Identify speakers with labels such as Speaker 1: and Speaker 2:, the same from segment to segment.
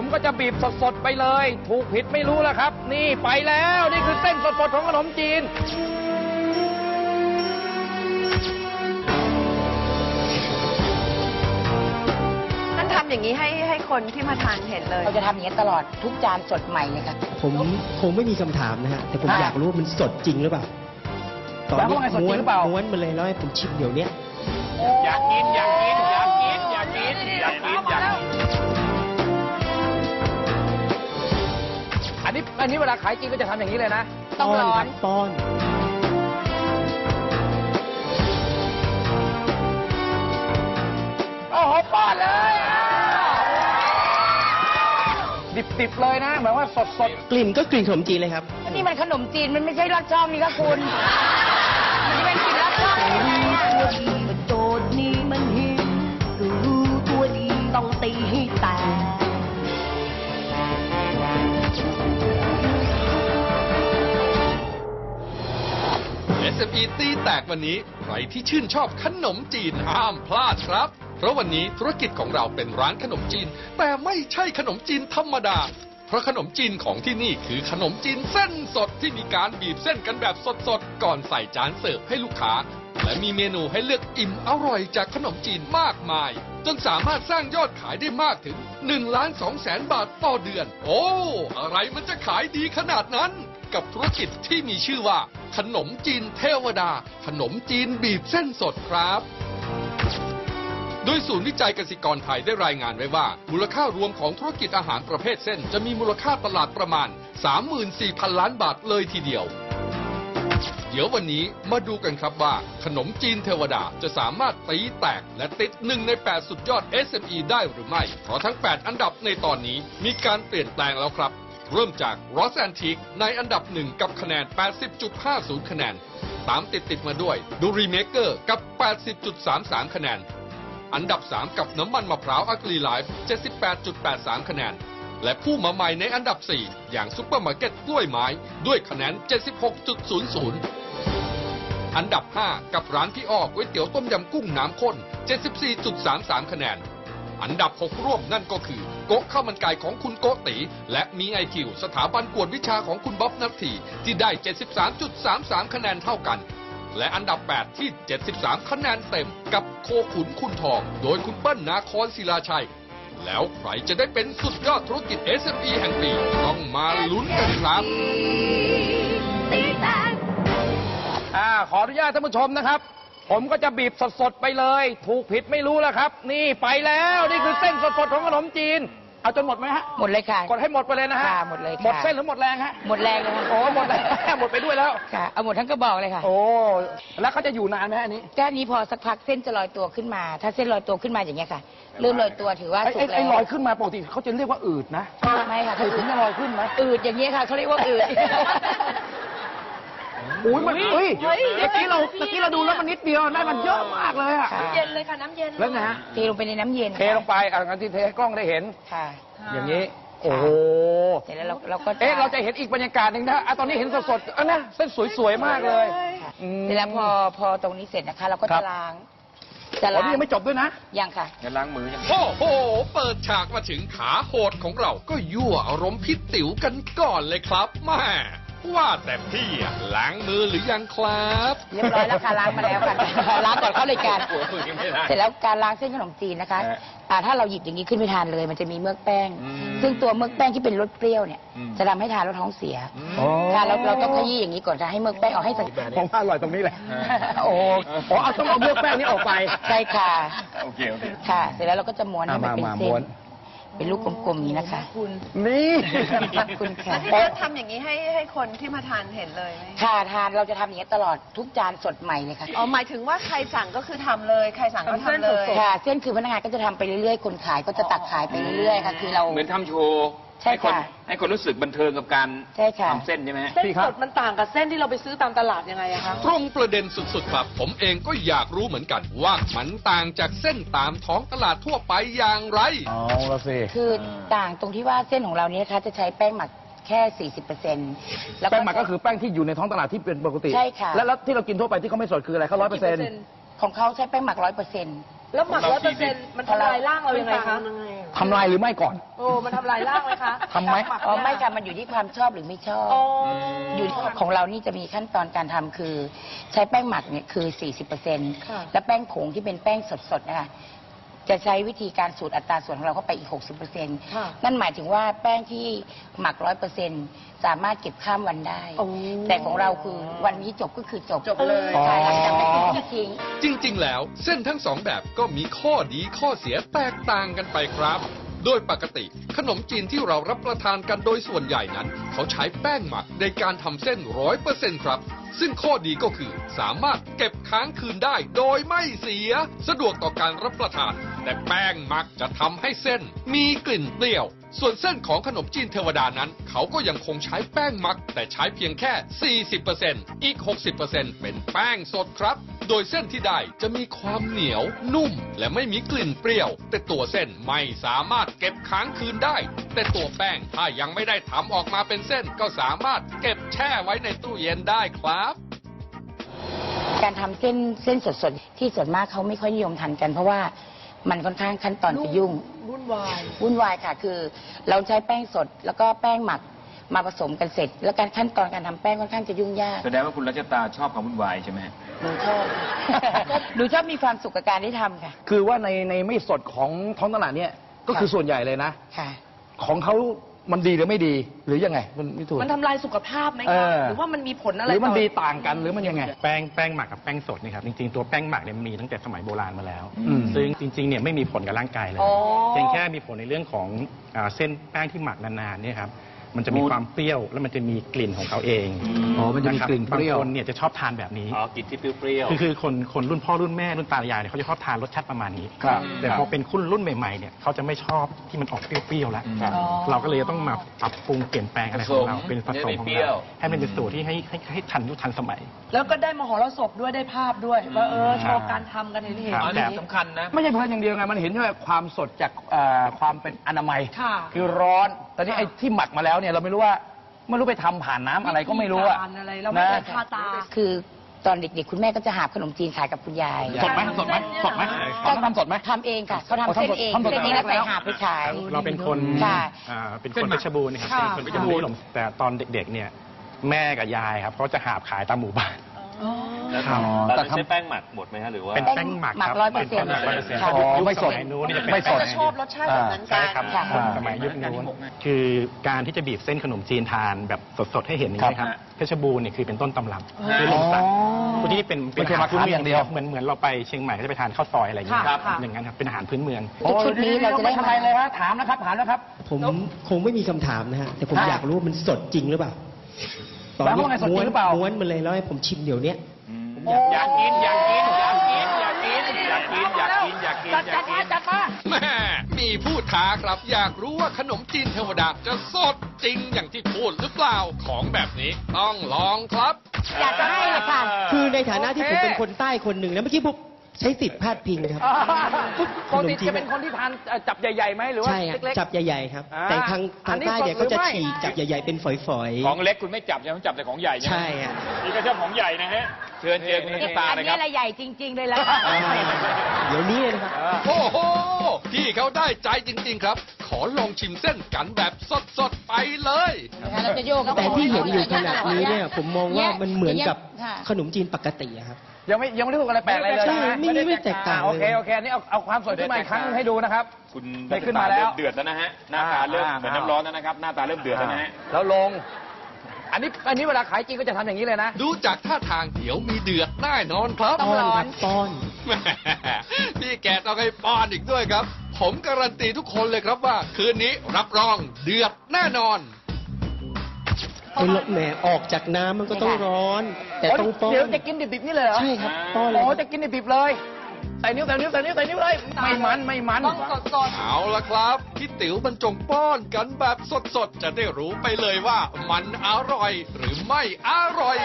Speaker 1: ก็จะบีบสดๆไปเลย ถูกผิดไม่รู้แล้วครับ นี่ไปแล้วนี่คือเส้นสดๆของขนมจีน
Speaker 2: ทำอย่างนี้ให้คนที่มาทานเห็นเลย
Speaker 3: เราจะทำอย่างนี้ตลอดทุกจานสดใหม่เลยค่ะ
Speaker 4: ผมคงไม่มีคำถามนะฮะแต่ผมอยากรู้ว่ามันสดจริงหรือเปล่า
Speaker 1: ตอนนี้
Speaker 4: ม้วนมาเลยแล้วให้ผมชิมเดี๋ยวนี้
Speaker 1: อยากกินอันนี้เวลาขายจริงก็จะทำอย่างนี้เลยนะ
Speaker 3: ต้องร้อน
Speaker 4: ป้อน
Speaker 1: โอ้โหป้อนเลยดิบๆเลยนะแบบว่าสด
Speaker 4: ๆกลิ่นก็กลิ่นขนมจีนเลยครับ
Speaker 3: นี่มันขนมจีนมันไม่ใช่ลอดช่องนี่ค่ะคุณมันเป็นกลิ่นลอดช่อง
Speaker 2: โจทย์นี้มันหิวรู้ตัวดีต้องตีให้แตก
Speaker 5: SME ตีแตกวันนี้ใครที่ชื่นชอบขนมจีนห้ามพลาดครับเพราะวันนี้ธุรกิจของเราเป็นร้านขนมจีนแต่ไม่ใช่ขนมจีนธรรมดาเพราะขนมจีนของที่นี่คือขนมจีนเส้นสดที่มีการบีบเส้นกันแบบสดๆก่อนใส่จานเสิร์ฟให้ลูกค้าและมีเมนูให้เลือกอิ่มอร่อยจากขนมจีนมากมายจนสามารถสร้างยอดขายได้มากถึง1,200,000 บาทต่อเดือนโอ้อะไรมันจะขายดีขนาดนั้นกับธุรกิจที่มีชื่อว่าขนมจีนเทวดาขนมจีนบีบเส้นสดครับโดยศูนย์วิจัยเกษตรกรไทยได้รายงานไว้ว่ามูลค่ารวมของธุรกิจอาหารประเภทเส้นจะมีมูลค่าตลาดประมาณ 34,000 ล้านบาทเลยทีเดียวเดี๋ยววันนี้มาดูกันครับว่าขนมจีนเทวดาจะสามารถตีแตกและติด1 ใน 8 สุดยอด SME ได้หรือไม่เพราะทั้ง 8 อันดับในตอนนี้มีการเปลี่ยนแปลงแล้วครับเริ่มจาก Ross Antique ในอันดับ1กับคะแนน 80.50 คะแนนตามติดมาด้วย Duri Maker กับ 80.33 คะแนนอันดับ3กับน้ำมันมะพร้าวอักลีไลฟ์ 78.83 คะแนนและผู้มาใหม่ในอันดับ4อย่างซุปเปอร์มาร์เก็ตกล้วยไม้ด้วยคะแนน 76.00 อันดับ5กับร้านพี่อ้อก๋วยเตี๋ยวต้มยำกุ้งน้ำข้น 74.33 คะแนนอันดับ6ร่วมนั่นก็คือโก๊ะข้าวมันไก่ของคุณโกติและมีไอคิวสถาบันกวดวิชาของคุณบ๊อบนัทธีที่ได้ 73.33 คะแนนเท่ากันและอันดับ8ที่ 73 คะแนนเต็มกับโคขุนคุณทองโดยคุณเปิ้ลนาครศิลาชัยแล้วใครจะได้เป็นสุดยอดธุรกิจ SME แห่งปีต้องมาลุ้นกันครับ
Speaker 1: ขออนุญาตท่านผู้ชมนะครับผมก็จะบีบสดๆไปเลยถูกผิดไม่รู้แล้วครับนี่ไปแล้วนี่คือเส้นสดๆของขนมจีนเอาจนหมดไหมฮะ
Speaker 3: หมดเลยค่ะ
Speaker 1: กดให้หมดไปเลยนะฮะ
Speaker 3: หมดเลย
Speaker 1: หมดเส้นหรือหมดแรงฮะ
Speaker 3: หมดแรงเลยค่ะ
Speaker 1: โอ้หมดแรงหมดไปด้วยแล้ว
Speaker 3: ค่ะเอาหมดทั้งกระบอกเลยค่ะ
Speaker 1: โอ้แล้วเขาจะอยู่นานไหมอันนี้
Speaker 3: แค่นี้พอสักพักเส้นจะลอยตัวขึ้นมาถ้าเส้นลอยตัวขึ้นมาอย่างเงี้ยค่ะเริ่มลอยตัวถือว่าสุกแล้ว
Speaker 1: ไอ้ลอยขึ้นมาปกติเขาจะเรียกว่าอืดนะ
Speaker 3: ไม่ค่ะ
Speaker 1: ถึงจะลอยขึ้นไหม
Speaker 3: อืดอย่างเงี้ยค่ะเขาเรียกว่าอืด
Speaker 1: อุ้ยมันเมื่อกี้เราดูแล้วมันนิดเดียวได้มันเยอะมากเลยอะ
Speaker 2: น้ำเย็นเลยค่ะน้ำเย็น
Speaker 1: แล้วนะฮะ
Speaker 3: เทลงไปในน้ำเย็น
Speaker 1: เทลงไปงั้นที่เทให้กล้องได้เห็น
Speaker 3: ค่ะ
Speaker 1: อย่างนี้โอ้โห
Speaker 3: เสร็จแล้วเราก็
Speaker 1: เราจะเห็นอีกบรรยากาศหนึ่งนะตอนนี้เห็นสดๆนะเส้นสวยๆมากเลย
Speaker 3: เสร็จแล้วพอตรงนี้เสร็จนะคะเราก็จะล้าง
Speaker 1: นี่ยังไม่จบด้วยนะ
Speaker 3: ยังค่ะ
Speaker 1: จะล้างมือยัง
Speaker 5: โอ้โหเปิดฉากมาถึงขาโหดของเราก็ยั่วอารมณ์พิษติ๋วกันก่อนเลยครับแม่ว่าแต่พี่ล้างมือหรือยังครับ
Speaker 3: เรียบร้อยแล้วค่ะล้างมาแล้วค่ะล้างก่อนเข้ารายการเสร็จแล้วการล้างเส้นขนมจีนนะคะถ้าเราหยิบอย่างนี้ขึ้นไปทานเลยมันจะมีเมือกแป้งซึ่งตัวเมือกแป้งที่เป็นรสเปรี้ยวเนี่ยจะทำให้ทานแล้วท้องเสียค่ะเราต้องขยี้อย่างนี้ก่อนจะให้เมือกแป้งออกให้สัก
Speaker 1: ผมว่าอร่อยตรงนี้แหละโอ้ต้องเอาเมือกแป้งนี้ออกไป
Speaker 3: ใช่ค่ะ
Speaker 1: โอเค
Speaker 3: ค่ะเสร็จแล้วเราก็จะม้วนให้มันเป็นเส้นเป็นลูกกลมๆนี้นะคะ
Speaker 1: นี่
Speaker 3: คุณค่ะ
Speaker 2: ที่เราทำอย่างนี้ให้คนที่มาทานเห็นเลยไหม
Speaker 3: ค่ะทานเราจะทำอย่างนี้ตลอดทุกจานสดใหม่เลยค่ะ
Speaker 2: หมายถึงว่าใครสั่งก็คือทำเลยใครสั่งก็ทำเลย
Speaker 3: ค่ะเส้นคือพนักงานก็จะทำไปเรื่อยๆคนขายก็จะตักขายไปเรื่อยๆค่ะคือเรา
Speaker 6: เหมือนทำโชว์
Speaker 3: ใช่ค่ะ
Speaker 6: ให้คนรู้สึกบันเทิงกับการทำเส้นใช่ไหม
Speaker 2: เส้นสดมันต่างกับเส้นที่เราไปซื้อตามตลาดยังไงอะคะ
Speaker 5: ตรงประเด็นสุดๆครับผมเองก็อยากรู้เหมือนกันว่ามันต่างจากเส้นตามท้องตลาดทั่วไปอย่างไร
Speaker 1: ละสิ
Speaker 3: คือต่างตรงที่ว่าเส้นของเรานี้นะคะจะใช้แป้งหมักแค่ 40%
Speaker 1: แล้วแป้งหมักก็คือแป้งที่อยู่ในท้องตลาดที่เป็นปกติ
Speaker 3: ใช่ค่ะ
Speaker 1: แล้วที่เรากินทั่วไปที่เขาไม่สดคืออะไรเขา100%
Speaker 3: ของเขาใช้แป้งหมัก100%
Speaker 2: แล้วหมัก100%มันทำลายร่างเรายังไงคะ
Speaker 1: ทำลายหรือไม่ก่อน
Speaker 2: โอ้มันทำลายร่างไหมคะ
Speaker 1: ทำไหม
Speaker 3: อ๋อไม่ค่ะมันอยู่ที่ความชอบหรือไม่ชอบ
Speaker 2: โอ้
Speaker 3: อยู่ที่ของเรานี่จะมีขั้นตอนการทำคือ ใช้แป้งหมักเนี่ยคือ 40%และแป้งผงที่เป็นแป้งสดๆนะคะจะใช้วิธีการสูตรอัตราส่วนของเราเข้าไปอีก 60%นั่นหมายถึงว่าแป้งที่หมัก 100%สามารถเก็บข้ามวันได้ แต่ของเราคือวันนี้จบก็คือจบเลยค่ะหลังจากนั้นก็ทิ้ง
Speaker 5: จริงๆ แล้วเส้นทั้งสองแบบก็มีข้อดีข้อเสียแตกต่างกันไปครับ โดยปกติขนมจีนที่เรารับประทานกันโดยส่วนใหญ่นั้น เขาใช้แป้งหมักในการทำเส้น 100% ครับ ซึ่งข้อดีก็คือสามารถเก็บค้างคืนได้โดยไม่เสีย สะดวกต่อการรับประทาน แต่แป้งหมักจะทำให้เส้นมีกลิ่นเปรี้ยว ส่วนเส้นของขนมจีนเทวดานั้น เขาก็ยังคงใช้แป้งหมัก แต่ใช้เพียงแค่ 40% อีก 60% เป็นแป้งสดครับ โดยเส้นที่ได้จะมีความเหนียว นุ่ม และไม่มีกลิ่นเปรี้ยว แต่ตัวเส้นไม่สามารถเก็บค้างคืนได้ แต่ตัวแป้งถ้ายังไม่ได้ทำออกมาเป็นเส้น ก็สามารถเก็บแช่ไว้ในตู้เย็นได้ครับ
Speaker 3: การทำเส้นสดๆที่ส่วนมากเขาไม่ค่อยนิยมทานกัน เพราะว่ามันค่อนข้างขั้นตอนจะยุ่ง
Speaker 2: วุ่นวาย
Speaker 3: วุ่นวายค่ะ คือเราใช้แป้งสดแล้วก็แป้งหมักมาผสมกันเสร็จ แล้วการขั้นตอนการทำแป้งค่อนข้างจะยุ่งยาก
Speaker 6: แสดงว่าคุณรัชตาชอบความวุ่นวายใช่ไหม
Speaker 3: หนูชอบ หนูชอบมีความสุขกับการได้ทำค่ะ
Speaker 1: คือว่าในไม่สดของท้องตลาดเนี่ยก็คือส่วนใหญ่เลยนะ
Speaker 3: ค่ะ
Speaker 1: ของเขามันดีหรือไม่ดีหรือยังไงมันไม่ถูก
Speaker 2: มันทำลายสุขภาพไหม
Speaker 1: เอ
Speaker 2: คะ
Speaker 1: อ
Speaker 2: หรือว่ามันมีผลอะไร
Speaker 1: หรือมัน
Speaker 2: ต่
Speaker 1: ดีต่างกันหรือมันยังไง
Speaker 7: แป้งหมักกับแป้งสดนี่ครับจริงๆตัวแป้งหมักเนี่ยมีตั้งแต่สมัยโบราณมาแล้ว
Speaker 1: อืม
Speaker 7: ซึ่งจริงๆเนี่ยไม่มีผลกับร่างกายเลย
Speaker 2: อ๋อ
Speaker 7: เพียงแค่มีผลในเรื่องของเส้นแป้งที่หมักนานๆเนี่ยครับมันจะมีความเปรี้ยวแล้วมันจะมีกลิ่นของเขาเอง
Speaker 1: อ๋อมันจะมีกลิ่นเปรี้ยว
Speaker 7: บางคนเนี่ยจะชอบทานแบบนี้
Speaker 6: อ๋อกลิ่นที่เปรี้ยว
Speaker 7: คือคนรุ่นพ่อรุ่นแม่รุ่นตายายเนี่ยเขาจะชอบทานรสชาติประมาณนี้
Speaker 1: ครับ
Speaker 7: แต่พอเป็นคุณรุ่นใหม่ๆเนี่ยเขาจะไม่ชอบที่มันออกเปรี้ยวๆแล้ว เราก็เลยต้องมาปรับปรุงเปลี่ยนแปลงอะไรของเราเป็นผสมของเราให้มันเป็นสูตรที่ให้ทันยุคทันสมัย
Speaker 2: แล้วก็ได้มหรสพด้วยได้ภาพด้วยว่าโชว์การทำกันเห็น
Speaker 7: ครับ
Speaker 6: อันนี้สำคัญนะ
Speaker 1: ไม่ใช่เพลินอย่างเดียวไงมันเห็นใช่ไหมความสดจากความเป็นอนามัย
Speaker 2: ค่ะ
Speaker 1: คือร้อนตอนนี้ไอ้ที่หมักมาแล้วเนี่ยเราไม่รู้ว่าไม่รู้ไปทำผ่านน้ำอะไรก็ไม่รู้อะ
Speaker 2: วิธีการอะไรเราไม่
Speaker 1: นะ
Speaker 2: ได้คาตา
Speaker 3: คือตอนเด็กๆคุณแม่ก็จะหาขนมจีนขายกับคุณยาย
Speaker 1: สดไหมสดไหมสดไหมเขาทำสดไหม
Speaker 3: ทำเองค่ะเขาทำเส้นเอง
Speaker 1: ทำสด
Speaker 3: เส้นเองแล้วใส่หาบไปขาย
Speaker 7: เราเป็นคน
Speaker 3: ค่ะ
Speaker 7: เป็นคนเพชรบูรณ์นะครับ
Speaker 2: ค่ะ
Speaker 7: เป็นคนเพชรบูรณ์แต่ตอนเด็กๆเนี่ยแม่กับยายครับเขาจะหาบขายตามหมู่บ้าน
Speaker 6: แล้ว
Speaker 1: อ๋อ
Speaker 6: ตอน
Speaker 1: แต่
Speaker 6: นั้น
Speaker 1: ทำ
Speaker 6: ใช้แป้งหมักหมดไหมฮะหรือว่า
Speaker 7: เป็นแป้งหมัก
Speaker 3: หมัก
Speaker 7: ครับ
Speaker 3: 100%
Speaker 7: เป็นแป้งหมัก100%
Speaker 3: ค่ะ
Speaker 1: อ๋อไม่สด
Speaker 7: ยุคสมัยนู้นนี่จะเป็น
Speaker 1: ไม่สด
Speaker 7: แป้ง
Speaker 2: ชอบรสชาติแบบนั้นกั
Speaker 7: ใช่
Speaker 2: น
Speaker 7: ครับ
Speaker 3: ค่ะ
Speaker 7: สมัยยุคนู้นคือการที่จะบีบเส้นขนมจีนทานแบบสดๆให้เห็นอย่างนี้ครับเพชรบูรณ์เนี่ยคือเป็นต้นตำรับคือลมสักพวกนี้เป็น
Speaker 1: ไม่ใช่มาค้าอย่างเดียว
Speaker 7: เหมือนเราไปเชียงใหม่ก็จะไปทานข้าวซอยอะไรอย่างเงี้ย
Speaker 2: ค่ะค่ะ
Speaker 7: อย่างนั้นครับเป็นอาหารพื้นเมือง
Speaker 3: ชุดนี้เราจะได้
Speaker 1: ทำไมเลยฮะถามนะครับถามแล้วครับ
Speaker 4: ผมคงไม่มีคำถามนะฮะ แต่ผม
Speaker 1: ค่ะ
Speaker 4: อยากรู้ว่ามันสดจริงหรือเปล่า ตอน
Speaker 1: แล้ว
Speaker 4: นี้
Speaker 1: ว่าไงสดจริงหรือเปล่า
Speaker 4: ม้วนมันเลยแล้วให้ผมชิมเดี๋ยวเนี้ย
Speaker 6: อยากกินอยากกินอยากกินอยากกินอยากกินอยากกินอยากกินอยากกิน
Speaker 5: แม่มีผู้ท้าครับ อยากรู้ว่าขนมจีนเทวดาจะสดจริงอย่างที่พูดหรือเปล่า ของแบบนี้ต้องลองครับ
Speaker 3: อยากจะให้เลยค่ะ
Speaker 4: คือในฐานะที่ผมเป็นคนใต้คนหนึ่งแล้วเมื่อกี้ผมใช้สิทธิ์พาดพิงนะครับ
Speaker 1: ปกติจะเป็นคนที่ทานจับใหญ่ๆไหมหรือว่า
Speaker 4: ใช่ฮะ
Speaker 1: เล็ก
Speaker 4: จับใหญ่ๆครับ
Speaker 1: อ่า
Speaker 4: แต่ทาง
Speaker 1: อันนี้
Speaker 4: ใต้เนี่ย
Speaker 1: สดหรือ
Speaker 4: เขาจะ
Speaker 1: ไม่
Speaker 4: ฉีกจับใหญ่ๆเป็นฝอยๆ
Speaker 6: ของเล็กคุณไม่จับใช่ไหมจับแต่ของใหญ่ใช่ไหม
Speaker 4: ใช่ฮะ
Speaker 6: นี่ก็ชอบของใหญ่นะฮะ เชิญเจอคุณรัชตา
Speaker 3: อัน
Speaker 6: เลยค
Speaker 3: นี้
Speaker 6: รับ
Speaker 3: อะไรใหญ่จริง ๆ เลยล่ะ
Speaker 4: เดี๋ยวนี้เลยนะครับ
Speaker 5: โอ้โห พี่เขาได้ใจจริงๆครับ ขอลองชิมเส้นกันแบบสดๆไปเลย
Speaker 3: เราจะโยก
Speaker 4: แต่ที่เห็นอยู่ขนาดนี้เนี่ยผมมองว่ามันเหมือนกับ
Speaker 3: ค่ะ
Speaker 4: ขนมจีนปกติอะครับ
Speaker 1: ยังไม่ได้พูดอะไรแปลกอะไรเลย
Speaker 4: ใช่
Speaker 1: นะ
Speaker 4: ไม่แตกต่าง
Speaker 1: โอ
Speaker 4: เลย
Speaker 1: เคอันนี้เอาความสดขึ้นมาอีกครั้งให้ดูนะครับ
Speaker 6: คุณ
Speaker 1: ได้ขึ้นมาแล้ว
Speaker 6: เริ่เดือดแล้วนะฮะ หน้าตาเริ่มเหมือนน้ำร้อนแล้วนะครับ หน้าตาเริ่มเดือดแล้วนะฮะ
Speaker 1: แล้วลง อันนี้เวลาขายจริงก็จะทำอย่างนี้เลยนะ
Speaker 5: ดูจากท่าทางเดี๋ยวมีเดือดแน่นอนครับ
Speaker 3: ต้องร้อน
Speaker 4: ป้อน
Speaker 5: แหมพี่แกต้องให้ป้อนอีกด้วยครับ ผมการันตีทุกคนเลยครับว่า คืนนี้รับรองเดือดแน่นอน
Speaker 4: ไอ้แหมออกจากน้ำมันก็ต้องร้อน แต่ต้องป้อน
Speaker 1: เดี๋ยวจะกินดิบๆนี่เลยเหรอ
Speaker 4: ใช่ครับป้อนเลย
Speaker 1: โอ้
Speaker 4: ครับ
Speaker 1: จะกินดิบๆเลยใส่นิ้วเลย ไม่มัน
Speaker 2: ต้องสด
Speaker 5: เอาละครับพี่ติ๋วบรรจงป้อนกันแบบสดๆ จะได้รู้ไปเลยว่ามันอร่อยหรือไม่อร่อย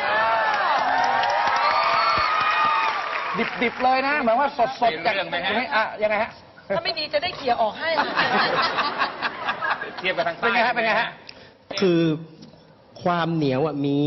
Speaker 1: ดิบๆเลยนะเหมือนว่าสดๆจาก
Speaker 6: เรื่องไหมฮะ
Speaker 1: ยังไงฮะ
Speaker 2: ๆถ้าไม่ดีจะได้เขี่ยออกให้ค่ะ
Speaker 6: เทียบกับทางใต้
Speaker 1: เป็นไงฮะ
Speaker 4: คือความเหนียวมี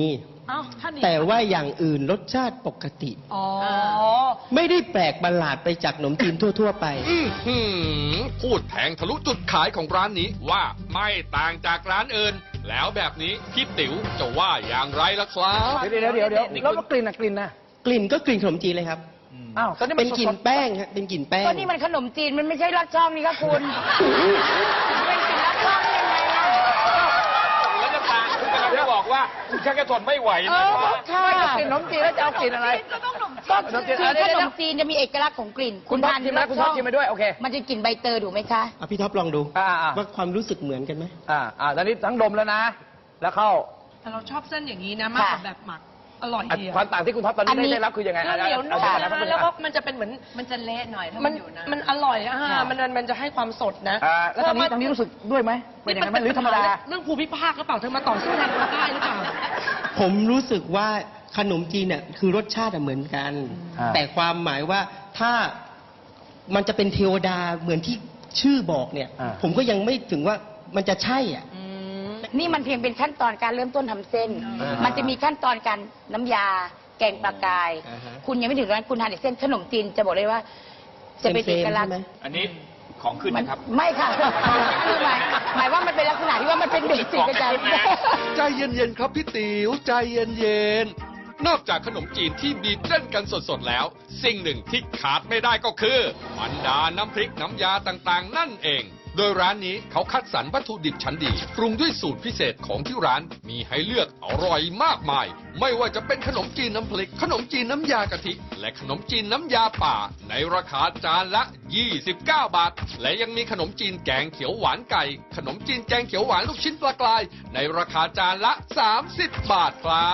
Speaker 4: แต่ว่าอย่างอื่นรสชาติปกติ
Speaker 2: อ๋อ
Speaker 4: ไม่ได้แปลกประหลาดไปจากขนมจีนทั่ว ๆ ไป
Speaker 5: พูดแทงทะลุจุดขายของร้านนี้ว่าไม่ต่างจากร้านอื่น แล้วแบบนี้พี่ติ๋วจะว่าอย่างไรล่ะครับ
Speaker 1: เดี๋ยวแล้วกลิ่นนะกลิ่นนะ
Speaker 4: กลิ่นก็กลิ่นขนมจีนเลยครับ
Speaker 1: อ้าวตอนนี้มั
Speaker 4: เป็น นกลิ่
Speaker 1: ส
Speaker 4: น
Speaker 1: ด
Speaker 4: แป้งฮะเป็นกลิ่นแป้ง
Speaker 3: ก็นี่มันขนมจีนมันไม่ใช่ลัดช่องนี่ครับคุณเป็นกลิ่นลัดช่องได้ยังไงล่ะ
Speaker 6: แล้วน้ำตาลคุณกำลังจะบอกว่าคุณชักจะทนไม่ไหว
Speaker 3: เอ
Speaker 6: นะ
Speaker 3: อค่ะ
Speaker 1: ไม่กับกลิ่นขนมจีนแล้วจะเอากลิ่นอะไร
Speaker 3: ก็คือขนมจีนจะมีเอกลักษณ์ของกลิ่น
Speaker 1: คุณท็อปชิมไหมคุณท็อปชิมไปด้วยโอเค
Speaker 3: มันจะกลิ่นใบเตยถูกไหมคะ
Speaker 4: อ่ะพี่ท็อปลองดู
Speaker 1: อ่า
Speaker 4: ว่าความรู้สึกเหมือนกันไหม
Speaker 1: ตอนนี้ทั้งดมแล้วนะ แล้วเข้า
Speaker 2: แต่เราชอบเส้นอย่างนี้นะมากกว่าแบบหมัก อร่อยดีอะ
Speaker 1: ความต่างที่คุณท็อปตอนนี้ได้รับคือยังไง
Speaker 2: เหนียวนุ่ม
Speaker 1: อา
Speaker 2: นะ
Speaker 1: จารย์
Speaker 2: แล้วก็มันจะเป็นเหมือนมันจะเละหน่อยถ้ามันอยู่นะมันอร่อยอะฮะมันจะให้ความสดนะ
Speaker 1: แล้วทางนี้รู้สึกด้วยไหมเป็นอย่างนั้นไหมหรือธรรมดา
Speaker 2: เรื่องภูมิภาคหรือเปล่าเธอมาต่อสู้แทนคนใต้หรือเปล่า
Speaker 4: ผมรู้สึกว่าขนมจีนเนี่ยคือรสชาติเหมือนกัน แต่ความหมายว่าถ้ามันจะเป็นเทวดาเหมือนที่ชื่อบอกเนี่ย ผมก็ยังไม่ถึงว่ามันจะใช่อ่ะ
Speaker 3: นี่มันเพียงเป็นขั้นตอนการเริ่มต้นทำเส้น มันจะมีขั้นตอนการน้ำยา แกงปลากาย คุณยังไม่ถึงนั้นคุณทานแต่เส้นขนมจีนจะบอกเลยว่า จะเป็นเอกลักษณ์
Speaker 6: อันนี้ของขึ้นนะครับ
Speaker 3: ไม่ค่ะคือหมายว่ามันเป็นลักษณะที่ว่ามันเป็นเบสิกอาจารย์
Speaker 5: ใจเย็นๆครับพี่ติ๋วใจเย็นๆนอกจากขนมจีนที่บีบเส้นกันสดๆแล้ว สิ่งหนึ่งที่ขาดไม่ได้ก็คือบรรดาน้ำพริกน้ำยาต่างๆ นั่นเอง โดยร้านนี้เขาคัดสรรวัตถุดิบชั้นดีปรุงด้วยสูตรพิเศษของที่ร้านมีให้เลือกอร่อยมากมาย ไม่ว่าจะเป็นขนมจีนน้ำพริกขนมจีนน้ำยากะทิและขนมจีนน้ำยาป่าในราคาจานละ 29 บาท และยังมีขนมจีนแกงเขียวหวานไก่ ขนมจีนแกงเขียวหวานลูกชิ้นปลากรายในราคาจานละ 30 บาทครับ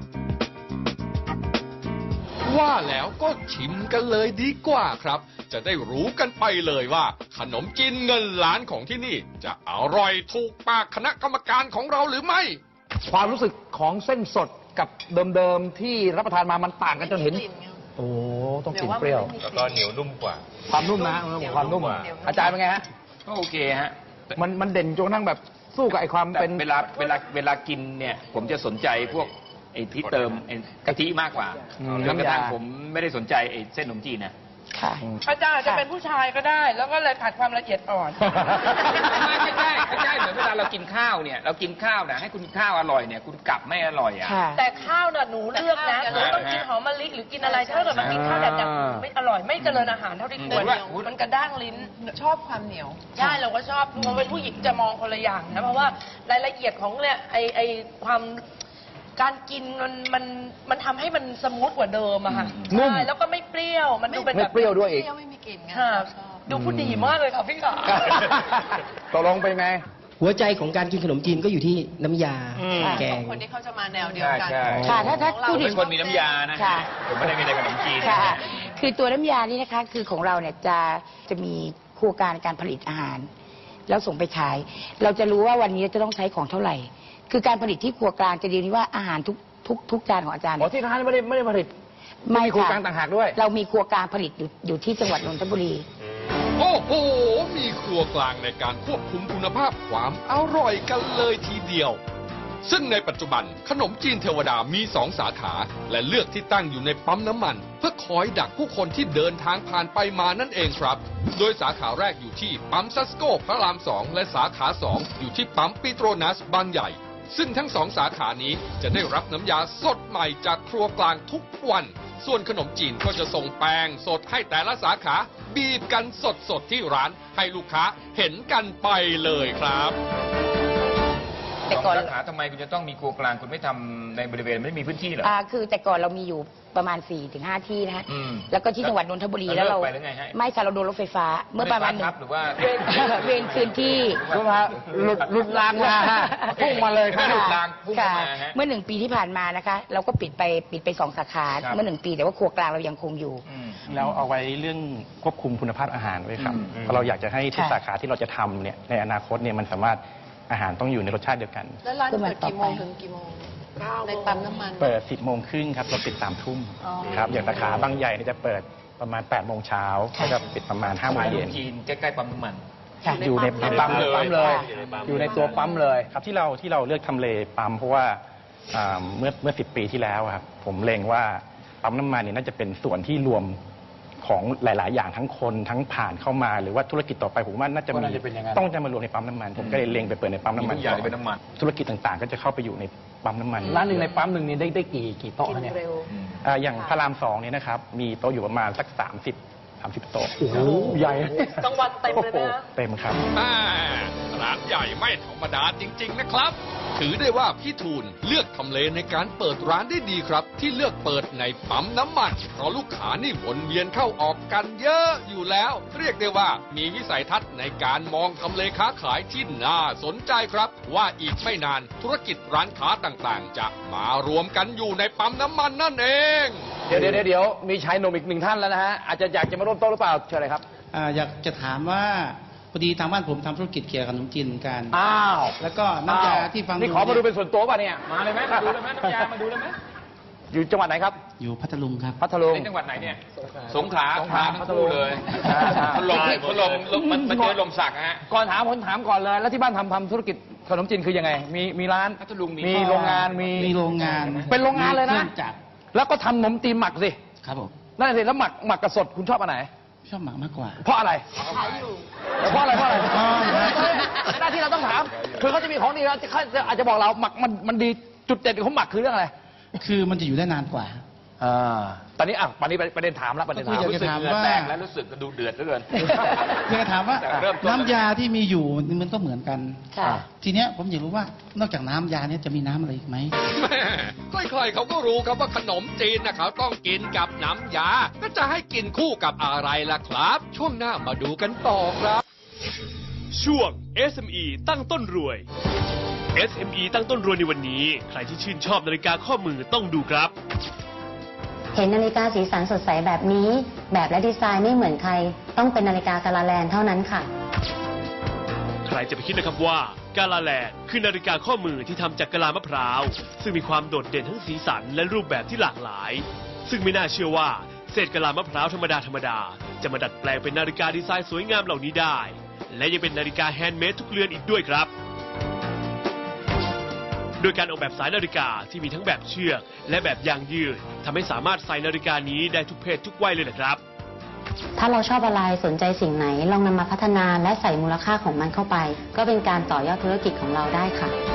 Speaker 5: ว่าแล้วก็ชิมกันเลยดีกว่าครับ จะได้รู้กันไปเลยว่า ขนมจีนเงินล้านของที่นี่ จะอร่อยถูกปากคณะกรรมการของเราหรือไม่
Speaker 1: ความรู้สึกของเส้นสดกับเดิมๆที่รับประทานมามันต่างกันจนเห็น โอ้ต้องกลิ่นเปรี้ยว
Speaker 6: แล้วก็เหนียวนุ่มกว่า
Speaker 1: ความนุ่มนะความนุ่ม อาจารย์เป็นไงฮะ
Speaker 6: ก็โอเคฮะ
Speaker 1: มันเด่นจนกระทั่งแบบสู้กับไอ้ความ
Speaker 6: แต่
Speaker 1: เป็น
Speaker 6: เวลากินเนี่ยผมจะสนใจพวกไอ้ที่เติมไอ้กะทิมากกว่าจนกระทั่งผมไม่ได้สนใจไอ้เส้นขนมจีนนะ
Speaker 3: ค่ะ
Speaker 2: อาจารย์จะเป็นผู้ชายก็ได้ แล้วก็เลยขาดความละเอียดอ่อน
Speaker 6: ไม่ใช่เหมือนเวลาเรากินข้าวเนี่ยเรากินข้าวนะให้คุณข้าวอร่อยเนี่ยคุณกลับไม่อร่อยอ่ะ
Speaker 3: ค่ะ
Speaker 2: แต่ข้าวน่ะหนูเลือกนะหนูต้องกินหอมมะลิหรือกินอะไรถ้าเกิดมันกินข้าวแบบไม่อร่อยไม่เจริญอาหารเท่าที่ควรมันกระด้างลิ้นชอบความเหนียวใช่เราก็ชอบเราเป็นผู้หญิงจะมองคนละอย่างนะเพราะว่ารายละเอียดของเนี่ยไอความการกินมันทำให้มันสมูทกว่าเดิมอะค่ะ
Speaker 1: นุ่ม
Speaker 2: ใช่แล้วก็ไม่เปรี้ยวมันดูเป็น
Speaker 1: ไม่
Speaker 2: แบบ
Speaker 1: เปรี้ยวด้วยอีก
Speaker 2: ค่ะดูผู้ดีมากเลยค่ะพี่ขา
Speaker 1: ตกลงเป็นไง
Speaker 4: หัวใจของการกินขนมจีนก็อยู่ที่น้ำยาแกง
Speaker 2: คนที่เขาจะมาแนวเดียวกัน
Speaker 6: ใช่
Speaker 3: ค่ะถ้า
Speaker 6: ผ
Speaker 3: พูด
Speaker 6: ม
Speaker 3: ถึ
Speaker 6: เป็
Speaker 3: ง
Speaker 6: นคนมีน้ำยานะ
Speaker 3: ค่ะ
Speaker 6: ผมไม่ได้มีแต่ขนมจีน
Speaker 3: ค่ะ คือตัวน้ำยานี่นะคะ คือของเราเนี่ยจะมีครัวการการผลิตอาหาร แล้วส่งไปขาย เราจะรู้ว่าวันนี้จะต้องใช้ของเท่าไหร่ คือการผลิตที่ครัวกลางจะดีที่ว่าอาหารทุกจานของอาจารย์
Speaker 1: อ๋อที่ร้านไม่ได้ผลิต
Speaker 3: ไม่
Speaker 1: มีครัว
Speaker 3: ค่ะ
Speaker 1: กลางต่างหากด้วย
Speaker 3: เรามีครัวกลางผลิตอยู่ที่จังหวัดนนทบุรี
Speaker 5: โอ้โห มีครัวกลางในการควบคุมคุณภาพความอร่อยกันเลยทีเดียว ซึ่งในปัจจุบันขนมจีนเทวดามี2 สาขา และเลือกที่ตั้งอยู่ในปั๊มน้ำมัน เพื่อคอยดักผู้คนที่เดินทางผ่านไปมานั่นเองครับ โดยสาขาแรกอยู่ที่ปั๊มซัสโก้พระราม 2 และสาขา 2 อยู่ที่ปั๊มปิโตรนัสบางใหญ่ ซึ่งทั้ง2 สาขานี้จะได้รับน้ำยาสดใหม่จากครัวกลางทุกวัน ส่วนขนมจีนก็จะส่งแป้งสดให้แต่ละสาขา บีบกันสดๆที่ร้านให้ลูกค้าเห็นกันไปเลยครับ
Speaker 3: แต่ก่อน
Speaker 6: สาขาทำไมคุณจะต้องมีครัวกลางคุณไม่ทำในบริเวณไม่มีพื้นที่เหรอ
Speaker 3: คือแต่ก่อนเรามีอยู่ประมาณ 4-5 ที่นะฮะ
Speaker 6: อืม
Speaker 3: แล้วก็ที่จังหวัดนนทบุรี
Speaker 6: แล้
Speaker 3: แล้ว วเรา
Speaker 6: เลิกไปหรือไงฮะ
Speaker 3: ไม่ค่ะเราโดนรถไฟฟ้า เมื่อประมาณ
Speaker 6: ไฟฟ้าทับหรือว่า
Speaker 3: เวรคืนที่
Speaker 1: หลุดรางมาฮะพุ่งมาเลยครับ
Speaker 6: หลุดรางพุ่งเข้ามาฮะ
Speaker 3: เมื่อ1 ปีที่ผ่านมานะคะ เราก็ปิดไป2 สาขา
Speaker 6: ครับ
Speaker 3: เมื่อ1 ปีแต่ว่าครัวกลางเรายังคงอยู่
Speaker 6: อืม
Speaker 7: แล้วเอาไว้เรื่องควบคุมคุณภาพอาหารไว้ครับ
Speaker 6: อืม
Speaker 7: เพราะเราอยากจะให้ทุก
Speaker 3: ค่ะ
Speaker 7: สาขาที่เราจะทำเนี่ยในอนาคตเนี่ยมันสามารถอาหารต้องอยู่ในรสชาติเดียวกัน
Speaker 8: แล้วร้านเปิดกี่โมงถึงกี่โมงในปั๊มน้ำมัน
Speaker 7: เปิด 10 โมงครึ่งครับเราปิด3 ทุ่มครับอย่างสาขาบางใหญ่เนี่ยจะเปิดประมาณ 8 โมงเช้าก็จะปิดประมาณ 5 โมง
Speaker 6: ขายข
Speaker 7: เย็
Speaker 6: น
Speaker 7: น
Speaker 6: มจีนใกล้ๆปั๊มน้ำมัน
Speaker 3: ค่ะ
Speaker 7: อยู่ในปั๊มเลย
Speaker 1: อยู่ในตัวปั๊มเลย
Speaker 7: ครับที่เราเลือกทำเลปั๊มเพราะว่าเมื่อ10 ปีที่แล้วครับผมเล็งว่าปั๊มน้ำมันเนี่ยน่าจะเป็นส่วนที่รวมของหลาย ๆ อย่างทั้งคนทั้งผ่านเข้ามาหรือว่าธุรกิจต่อไปผมว่าน่าจะมีต้องจะมารวมในปั๊มน้ำมันผมก็เลยเล็งไปเปิดในปั๊มน้ำมัน
Speaker 6: ทุกอย่างเป็นน้ำมัน
Speaker 7: ธุรกิจต่างๆ ก็จะเข้าไปอยู่ในปั๊มน้ำมัน
Speaker 1: ร้านหนึ่งในปั๊มหนึ่งนี่ได้กี่โต๊ะเนี่ย
Speaker 7: อย่างพระราม2เนี่ยนะครับมีโต๊ะอยู่ประมาณสัก30 โต๊ะ
Speaker 1: โอ้โหใหญ่
Speaker 2: กลางวันเต็มเลยไหมฮะ
Speaker 7: เต็มครับ
Speaker 5: ร้านใหญ่ไม่ธรรมดาจริง ๆ นะครับ ถือได้ว่าพี่ทูลเลือกทำเลในการเปิดร้านได้ดีครับ ที่เลือกเปิดในปั๊มน้ำมันเพราะลูกค้านี่วนเวียนเข้าออกกันเยอะอยู่แล้ว เรียกได้ว่ามีวิสัยทัศน์ในการมองทำเลค้าขายที่น่าสนใจครับ ว่าอีกไม่นานธุรกิจร้านค้าต่างๆ จะมารวมกันอยู่ในปั๊มน้ำมันนั่นเอง
Speaker 1: เดี๋ยวมีชายหนุ่มอีกหนึ่งท่านแล้วนะฮะอาจจะอยากจะมาร่วมโต๊ะหรือเปล่าเชิญเลยครับ
Speaker 9: อยากจะถามว่าพอดีทางบ้านผมทำธุรกิจเกี่ยวกับขนมจีนเหมือนกัน
Speaker 1: อ้าว
Speaker 9: แล้วก็น้ำยาที่ฟัง
Speaker 1: นี่ขอมาดูเป็นส่วนตัวป่ะเนี่ยมาเลยไหมมาดูเลยไหมน้ำยามาดูเลยไหมอยู่จังหวัดไหนครับ
Speaker 9: อยู่พัทลุงครับ
Speaker 1: พัทลุง
Speaker 6: จังหวัดไหนเนี่ยสงขลา
Speaker 1: สงขลา
Speaker 6: ทั้งคู่เลย
Speaker 1: อ่า
Speaker 6: พัดลมมันเจอลมสักฮะ
Speaker 1: ก่อนถามผมถามก่อนเลย แล้วที่บ้านทำธุรกิจขนมจีนคือยังไง มีร้าน
Speaker 6: พัทลุงมี
Speaker 1: มีโรงงานมี
Speaker 9: โรงงาน
Speaker 1: เป็นโรงงานเลยนะ
Speaker 9: มีครื่องจักร
Speaker 1: แล้วก็ทำขนมจีนหมักสิ
Speaker 9: ครับผม
Speaker 1: นั่นสิแล้วหมักกับสดคุณชอบอันไหน
Speaker 9: ชอบหมักมากกว่า
Speaker 1: เพราะอะไรเพราะอะไรหน้าที่เราต้องถาม คือเขาจะมีของดีแล้วเขาอาจจะบอกเราหมักมันดีจุดเด่นของหมักคือเรื่องอะไร
Speaker 9: คือมันจะอยู่ได้นานกว่า
Speaker 1: ตอนนี้ประเด็นถามแล้วประเด็นถาม
Speaker 9: ก็คือ
Speaker 6: รู้สึก
Speaker 9: ถาม
Speaker 6: เหงื่อ
Speaker 9: ว่า
Speaker 6: แตกแล้วรู้สึกกระดูเดือดเหลือเกิน
Speaker 9: อยากจะถามว่า
Speaker 6: แต่เริ่มต้น
Speaker 9: น้ำยาที่มีอยู่มันก็เหมือนกัน
Speaker 3: ค่ะ
Speaker 9: ทีเนี้ยผมอยากรู้ว่านอกจากน้ำยาเนี้ยจะมีน้ำอะไรอีกไหม
Speaker 5: แม่ใครๆเขาก็รู้ครับว่าขนมจีนนะเขาต้องกินกับน้ำยาก็จะให้กินคู่กับอะไรล่ะครับ ช่วงหน้ามาดูกันต่อครับ
Speaker 10: ช่วง SME ตั้งต้นรวย SME ตั้งต้นรวยในวันนี้ ใครที่ชื่นชอบนาฬิกาข้อมือต้องดูครับ
Speaker 11: เห็นนาฬิกาสีสันสดใสแบบนี้ แบบและดีไซน์ไม่เหมือนใคร ต้องเป็นนาฬิกากาลาแลนเท่านั้นค่ะ
Speaker 10: ใครจะไปคิดนะครับว่ากาลาแลนด์คือนาฬิกาข้อมือที่ทำจากกะลามะพร้าว ซึ่งมีความโดดเด่นทั้งสีสันและรูปแบบที่หลากหลาย ซึ่งไม่น่าเชื่อว่าเศษกะลามะพร้าวธรรมดาจะมาดัดแปลงเป็นนาฬิกาดีไซน์สวยงามเหล่านี้ได้ และยังเป็นนาฬิกาแฮนด์เมดทุกเรือนอีกด้วยครับ โดยการออกแบบสายนาฬิกาที่มีทั้งแบบเชือกและแบบยางยืดทำให้สามารถใส่นาฬิกานี้ได้ทุกเพศทุกวัยเลยนะครับ
Speaker 11: ถ้าเราชอบอะไรสนใจสิ่งไหนลองนำมาพัฒนาและใส่มูลค่าของมันเข้าไป ก็เป็นการต่อยอดธุรกิจของเราได้ค่ะ